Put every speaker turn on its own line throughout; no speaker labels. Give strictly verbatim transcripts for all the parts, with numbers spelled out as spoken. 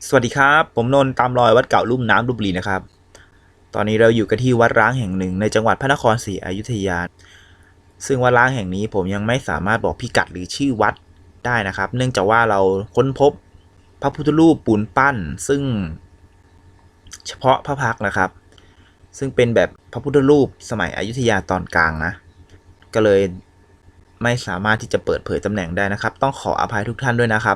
สวัสดีครับผมนนท์ตามรอยวัดเก่าลุ่มน้ำลพบุรีนะครับตอนนี้เราอยู่กันที่วัดร้างแห่งหนึ่งในจังหวัดพระนครศรีอยุธยาซึ่งวัดร้างแห่งนี้ผมยังไม่สามารถบอกพิกัดหรือชื่อวัดได้นะครับเนื่องจากว่าเราค้นพบพระพุทธรูปปูนปั้นซึ่งเฉพาะพระพักตร์นะครับซึ่งเป็นแบบพระพุทธรูปสมัยอยุธยาตอนกลางนะก็เลยไม่สามารถที่จะเปิดเผยตำแหน่งได้นะครับต้องขออภัยทุกท่านด้วยนะครับ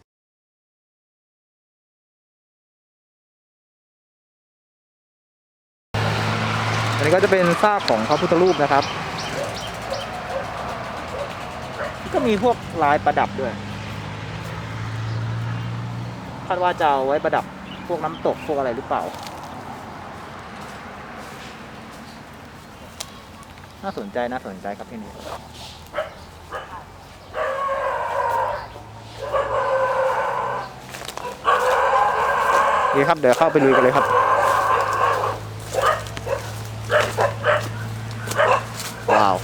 อันนี้ก็จะเป็นซากของพระพุทธรูปนะครับก็มีพวกลายประดับด้วยคาดว่าจะเอาไว้ประดับพวกน้ำตกพวกอะไรหรือเปล่าน่าสนใจน่าสนใจครับที่นี่ดีครับเดี๋ยวเข้าไปลุยกันเลยครับว้าว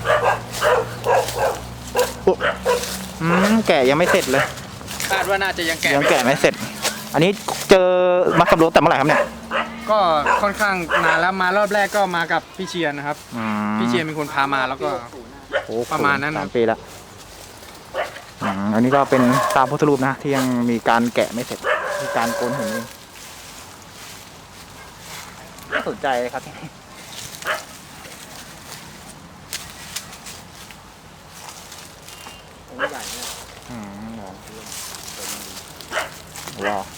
อืมแกะยังไม่เสร็จเลย
คาดว่าน่าจะยังแกะ
ยังแกะไม่เสร็จอันนี้เจอมาสำรวจแต่เมื่อไหร่ครับเนี่ย
ก็ค่อนข้างนานแล้วมารอบแรกก็มากับพี่เชียนนะครับพี่เชียนเป็นคนพามาแล้วก็ประมาณนั้น
สามปีแล้วอันนี้ก็เป็นตามพุทธรูปนะที่ยังมีการแกะไม่เสร็จมีการโกนหินน่าสนใจเลยครับที่นี่ใหญ่เนี่ยอืมว้าว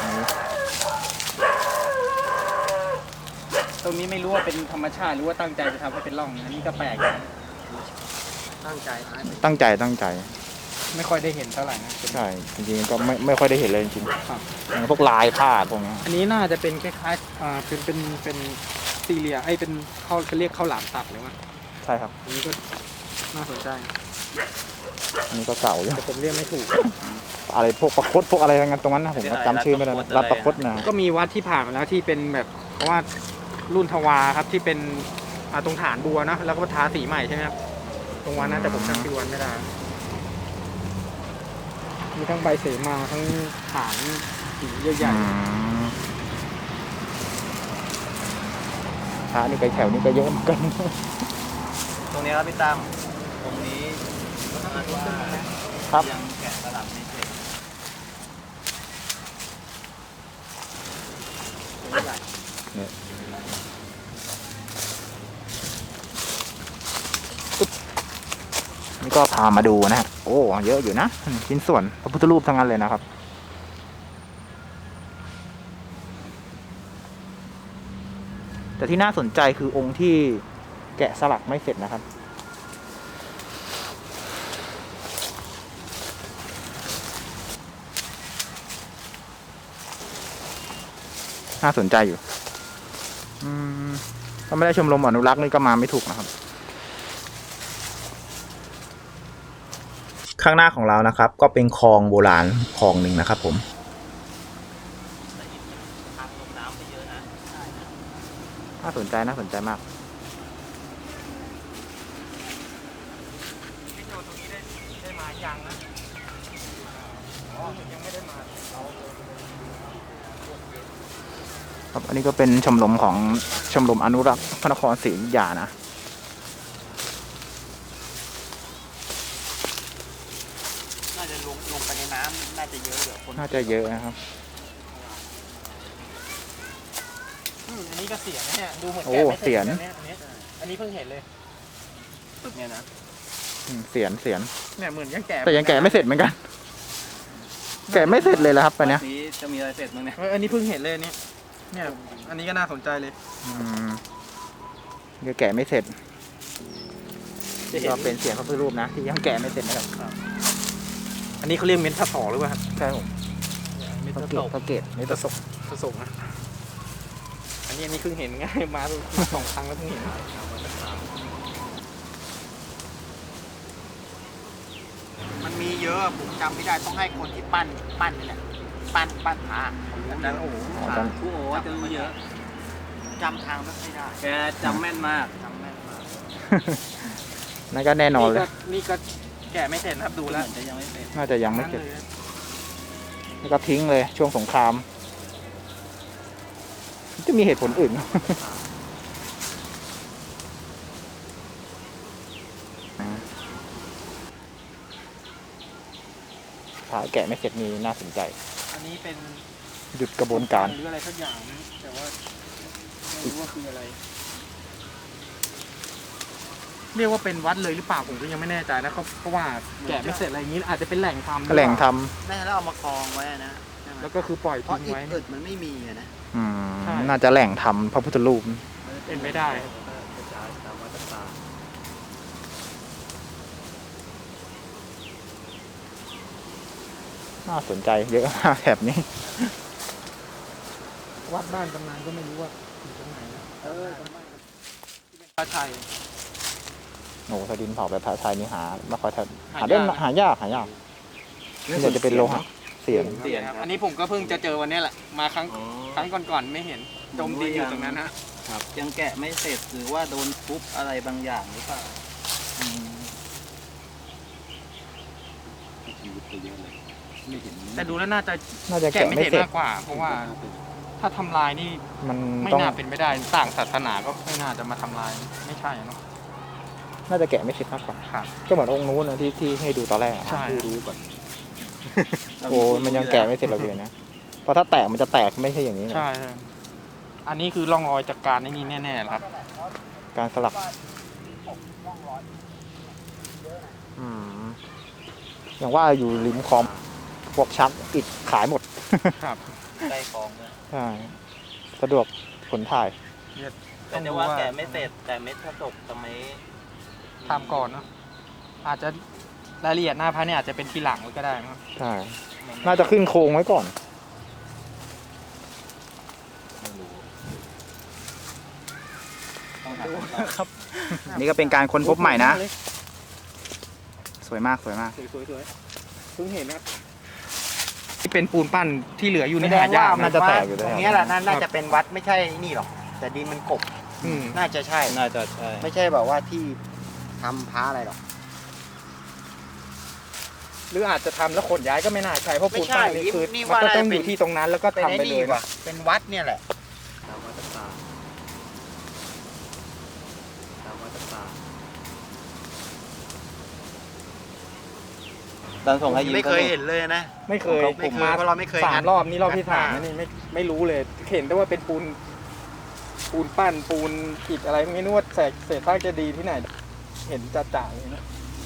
ตรงนี้ไม่รู้ว่าเป็นธรรมชาติหรือว่าตั้งใจจะทำให้เป็นร่องอันนี้ก็แปลกตั้งใจ
ตั้งใจตั้งใจ
ไม่ค่อยได้เห็นเท่าไหร่นะ
ใช่จริงๆก็ไม่ไม่ค่อยได้เห็นเลยจริงๆพวกลายผ้าพวกนี้
อันนี้น่าจะเป็นคล้ายๆอ่าเป็นเป็นเป็นซีเรียไอเป็นเขาเรียกข้าวหลามตัดหรือว่า
ใช่ครับ
อันนี้ก็น่าสนใจ
อันนี้ก็เก่าอยู่
แต่ผมเรียกไม่ถูก
อะไรพวกประคตพวกอะไรงั้นตรงนั้นนะผมจำชื่อไม่ได้รับประคตนะ
ก็มีวัดที่ผ่านมาแล้วที่เป็นแบบเพราะว่ารุ่นทวาครับที่เป็นตรงฐานบัวนะแล้วก็ทาสีใหม่ใช่ไหมครับตรงวันนั้นแต่ผมจำชื่อวันไม่ได้มีทั้งใบเสมาทั้งฐานสีใหญ่
ๆฐานนี่ไปแถวนี้ก็เยอะเหมือนกัน
ตรงนี้ครับพี่ตั้มตรงนี้
ครับ
ยังแกะสลักไม่เสร็จ
นี่ก็พามาดูนะฮะโอ้เยอะอยู่นะชิ้นส่วนพระพุทธรูปทั้งนั้นเลยนะครับแต่ที่น่าสนใจคือองค์ที่แกะสลักไม่เสร็จนะครับน่าสนใจอยู่อืมถ้าไม่ได้ชมรมอนุรักษ์นี่ก็มาไม่ถูกนะครับข้างหน้าของเรานะครับก็เป็นคลองโบราณคลองหนึ่งนะครับผมน่าสนใจน่าสนใจมากครับอันนี้ก็เป็นชมรมของชมรมอนุรักษ์พระนครศรีอยุธยานะ
น่าจะลงลงไปในน้ำน่าจะเยอะเดี๋ยวคน
น่าจะเยอะนะครับ
อันนี้ก็เสียนเนี่ยดูเหมือน
โอ้เสียน
อันนี้เพิ่งเห็นเลย
เนี่ยนะ
เสียนเสียน
เนี่ยเหมือนยังแกะ
แต่ยังแกะไม่เสร็จเหมือนกันแกะไม่เสร็จเลยแล้วครับอันนี้
จะมีอะไรเสร็จมั้งเนี่ย
อันนี้เพิ่งเห็นเลยนี่เนี่ยอันนี้ก็น่าสนใจเลย
อืมยังแกะไม่เสร็จก็เป็นเสียงพระพุทธรูปนะที่ยังแกะไม่เสร็จนะครับ
อันนี้เขาเรียกเม็ดผสอหรือเปล่าครับ
ใช่ผม
เม็ดผส
พระเกศ
เม็ดผสมผสมนะอันนี้อันนี้เพิ่งเห็นไงมาสองครั้งแล้วเพิ่งเห็น
มันมีเยอะผมจำไม่ได้ต้องให้คนที่ปั้นปั้นนี่แหละปั้นปั้นผาอาจารย์โอ้โหโอ้โหจะรู้เยอะจำทางไม่ค่อยได้แกจำแม่นมากจำแม่นมาก
นั่นก็แน่นอนเลย
นี่ก็แกะไม่เสร็จครับดูแล้ว
จะยังไม่เสร็จ
น่าจะยังไม่เสร็จแล้วก็ทิ้งเลยช่วงสงคราม
จะมีเหตุผลอื่น ถ้าแกะไม่เสร็จนี่น่าสนใจ
อันนี้เป็น
หยุดกระบวนการ
หรืออะไรสักอย่างนะแต่ว่าไม่รู้ว่าคืออะไร
เรียกว่าเป็นวัดเลยหรือเปล่าผมก็ยังไม่แน่ใจนะเพราะว่าแกะไม่เสร็จอะไรอย่างนี้อาจจะเป็นแหล่งทำ
แหล่งท
แม่แล้วเอามากองไว้นะใช่ไหม
แล้วก็คือปล่อย
เพราะ
ทิ้ง
อิฐ
ไว้
อึดมันไม่มีอะนะ
ำอืม
ใช่
น่าจะแหล่งทำพระพุทธรูป
เป็นไม่ได้ครับ
กระจายตามวัดต่าง
น่าสนใจเยอะมากแถบนี้
วัดบ้านตำนานก็ไม่รู้ว่าอยู่ตรงไหนนะ
ๆเออ
พระชัย
โอ้โหถ้าดินเผาแบบพระชัยนี่หาไม่ค่อยทัน
หา
หาได้
ยาก
หายากหายากนี่จะเป็นโลหะเสียง
เสียนครับ
อันนี้ผมก็เพิ่งจะเจอวันนี้แหละมาครั้งครั้งก่อนๆไม่เห็นจมดินอยู่ตรงนั้นฮะ
ครับยังแกะไม่เสร็จหรือว่าโดนทุบอะไรบางอย่างหรือเปล่า
แต่ดูแล้วน่าจะ
น่าจะ
แกะ
แกะ
ไม่
ไม่
เสร็จ
เสร็จ
มากกว่า เพราะว่าถ้าทำลายนี่
มัน
ไม่
ต้อง
น่าเป็นไปได้ต่างศาสนาก็ไม่น่าจะมาทำลายไม่ใช่เนาะ
น่าจะแกะไม่เสร็จมากกว่า
ครับ
ก็เหมือนองค์นู้นนะที่ที่ให้ดูตอนแรกอะ
ใช่
ผู้รู้ก่อนโอ้มันยังแกะไม่เสร็จเราเลยนะเพราะถ้าแตกมันจะแตกไม่ใช่อย่างนี้นะ
ใช่ใช่อันนี้คือร่องรอยจากการในนี้แน่ๆครับ
การสลักอืมอย่างว่าอยู่ริมคลองพวกชักอิฐขายหมด
ครับ
ใกล้คลองเลย
ใช่สะดวกขนถ่าย
แต่จะว่าแกะไม่เสร็จแต่เม็ดผสมจะไม่
ทำก่อนเนาะอาจจะรายละเอียดหน้าพระเนี่ยอาจจะเป็นทีหลังก็ได้นะครับ
ใช่ น่าจะขึ้นโครงไว้ก่อน
ต้องหาคำตอบ
ครับ
นี่ก็เป็นการค้นพบใหม่นะ สวยมากสวยมาก
สวยๆเพิ่งเห็นนะครับที่เป็นปูนปั้นที่เหลืออยู่ใน
แสด
หาง ยาก
ว่า
น่าจะแตกอยู่
ต
แล้ว
รงเนี้ยแหละน่าจะเป็นวัดไม่ใช่นี่หรอก แต่ดินมันกบ
อืม
น่าจะใช่
น่าจะใช่
ไม่ใช่แบบว่าที่ทำพระอะไรหรอก
หรืออาจจะทำแล้วขนย้ายก็ไม่น่าใช่เพราะปูนปั้นนี่คือ
นี่
มัน
ว่า
ก็
น่า
ต้อง
จะ
อ
เป็น
ยู่ที่ตรงนั้นแล้วก็
เป็น
ทำ
ไอ้
ไป
นี่
เลย
ว่ะเป็นวัดเนี่ยแหละตามวัดต่างตามวัดต่างตอนส่งให้ยิ้มไม่เคยเห็นเลยนะ
ไม่เคย
ไม่เคย
ผมมา
เพราะเราไม่เคย
สามรอบนี่รอบที่
งัด
สาม
มา
แล้วนี่ไม่ไม่รู้เลย เห็นแต่ว่าเป็นปูน ปูนปั้นปูนอิฐอะไรไม่รู้ว่าแสกเศษซากจะดีย์ที่ไหน เห็นจ่าๆเลยนะ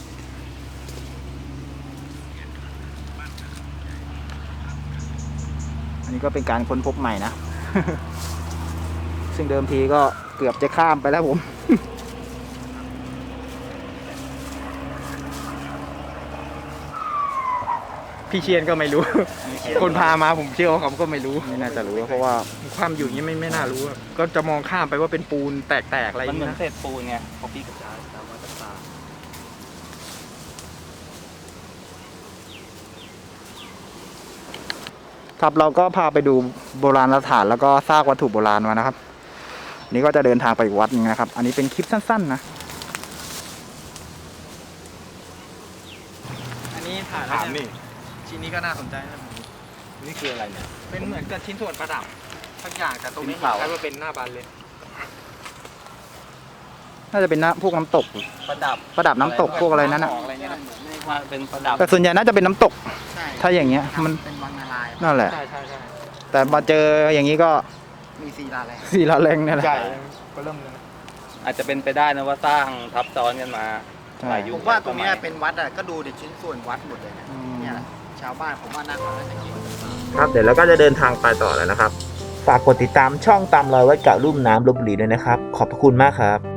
อันนี้ก็เป็นการค้นพบใหม่นะ ซึ่งเดิมทีก็เกือบจะข้ามไปแล้วผม
พี่เชียนก็ไม่รู้ คนพามาผมเชื่อว่าเขาก็ไม่รู้
ไม่น่าจะรู้เพราะว่า
ความอยู่อย่างนี้ไม่ไม่น่ารู้อะก็จะมองข้ามไปว่าเป็นปูนแตกๆอะไรอ
มัน
ย่าง
เหมื
นี้
อน
นะ
เศษปูนไงพอพี่กระจายตามวัดต่าง
ครับเราก็พาไปดูโบราณสถานแล้วก็ซากวัตถุโบราณมานะครับ นี่ก็จะเดินทางไปอีกวัดหนึงนะครับ อันนี้เป็นคลิปสั้นๆนะ
อันนี้ถ่ายแล้วเนี่ยชิ้นนี้ก็น่าสนใจนะ
นี่คืออะไรเนี่ย
เป็นเหมือนกับชิ้นส่วนประดับสักอย่างแต่ตรงนี้
ชิ้นเปล่า
คล้ายว่าเป็นหน้าบานเลย
น่าจะเป็นน้ำพวกน้ำตก
ประดับ
ประดับน้ำตกพวกอะไรนั้นนะ
อะไรเงี้ยนะ
ไม่ว่าเป็นประดับ
แต่ส่วนใหญ่น่าจะเป็นน้ำตก
ใช่
ถ้าอย่างเงี้ยมัน
เป็นวังนารายณ์
นั่นแหละ
ใช่ใช่ใช่
แต่มาเจออย่างนี้ก็
มีศิลาแรง
สีละแรงเนี่ยแหละ
ใช่ก็เริ่มเลยนะ
อาจจะเป็นไปได้นะว่าสร้างทับซ้อนกันมา
ใช่
หลายยุคผมว่าตรงเนี้ยเป็นวัดอ่ะก็ดูเด็กชิ้นส่วนวัดหมดเลยนะ
อืม
เนี่ยแหละชาวบ้านผมว่าน่าจะน่าจะเกี่ยวกับ
ครับเดี๋ยวเราก็จะเดินทางไปต่อแล้วนะครับ ฝากกดติดตามช่องตามรอยวัดเก่าลุ่มน้ำลพบุรีด้วยนะครับ ขอบพระคุณมากครับ